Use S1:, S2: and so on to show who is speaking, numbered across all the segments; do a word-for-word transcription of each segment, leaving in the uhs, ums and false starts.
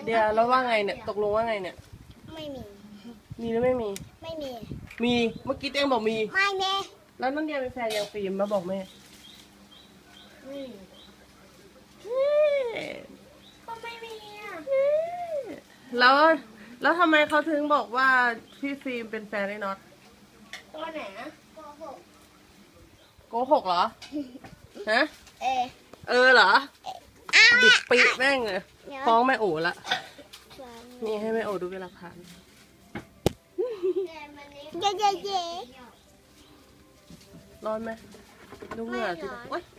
S1: เดี๋ยวแล้วว่าไงเนี่ยตกลงว่าไงเนี่ย
S2: ไม่มี
S1: มีหรือไม่มี
S2: ไม่มี
S1: มีเมื่อกี้เองบอกมี
S2: ไม่แม่
S1: แล้วน้องเดียเป็นแฟนยังฟิล์มมาบอกแม่
S2: ก็ไม่มีอ่ะ
S1: แล้วแล้วทำไมเขาถึงบอกว่าพี่ฟิล์มเป็นแฟนไอ้น็อต
S2: ตัวไหนนะโกหก
S1: โกหกเหรอฮะ
S2: เออ
S1: เออเหรอบิดปีแม่งเลยฟ้องแม่โอ๋ละนี่ให้แม่โอ๋ดูเป็นหลักฐาน
S2: เย้เย้เย้
S1: ร้อนไหมดูเหงื่อสิโอ๊ย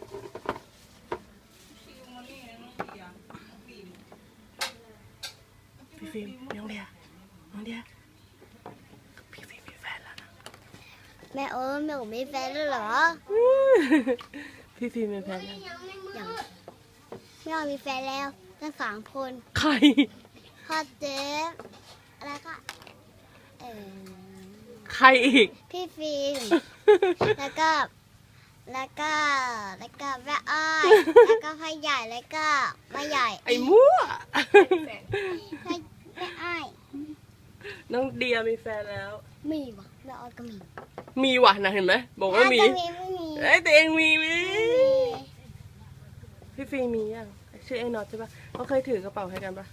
S1: พี่ฟิล์มน้องเดียน้องเดียพี่ฟิล์มมีแฟนแล้วนะ
S2: แม่โอ้แม่โอ้มีแฟนแล้วเหรอ
S1: พี่ฟิล์มมีแฟนยัง
S2: ยังแม่โอ้มีแฟนแล้วทั้งสามคน
S1: ใคร
S2: พ่อเจ๊แล้วก็เออ
S1: ใครอีก
S2: พี่ฟิล์มแล้วก็แล้วก็แล้วก็แม่อ้อยแล้วก็พ่อใหญ่แล้วก็แม่ใหญ่
S1: ไอ้มั่ว
S2: แม่อ้อย
S1: น้องเดียมีแฟนแล้ว
S2: มีวะแม่อ้อยก็มี
S1: มีว่ะนะเห็นไหมบอกว่ามีไอ้ตัวเองมีไหมพี่ฟิล์มมียังชื่อไอ้น็อตใช่ปะเขาเคยถือกระเป๋าให้กันปะ